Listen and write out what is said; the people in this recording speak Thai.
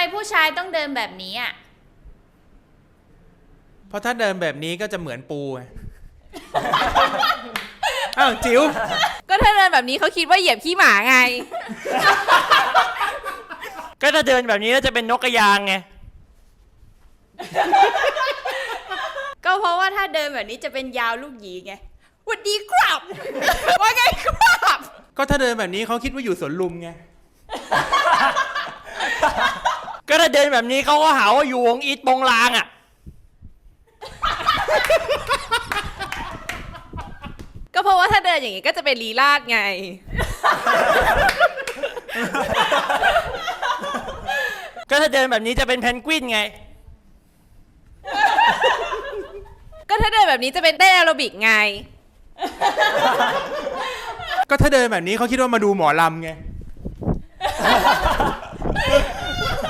ผู้ชายต้องเดินแบบนี้อ่ะเพราะถ้าเดินแบบนี้ก็จะเหมือนปูไง อ้าวจิ๋วก็ถ้าเดินแบบนี้เขาคิดว่าเหยียบขี้หมาไงก็ถ้าเดินแบบนี้ก็จะเป็นนกกระยางไงก็เพราะว่าถ้าเดินแบบนี้จะเป็นยาวลูกหยีไงหวัดดีครับ ว่าไงครับก็ถ้าเดินแบบนี้เขาคิดว่าอยู่สวนลุมไงก็ถ้าเดินแบบนี้เขาก็หาว่าอยู่วงอีทปงลางอ่ะก็เพราะว่าถ้าเดินอย่างนี้ก็จะเป็นลีลาดไงก็ถ้าเดินแบบนี้จะเป็นเพนกวินไงก็ถ้าเดินแบบนี้จะเป็นเต้นแอโรบิกไงก็ถ้าเดินแบบนี้เขาคิดว่ามาดูหมอลำไง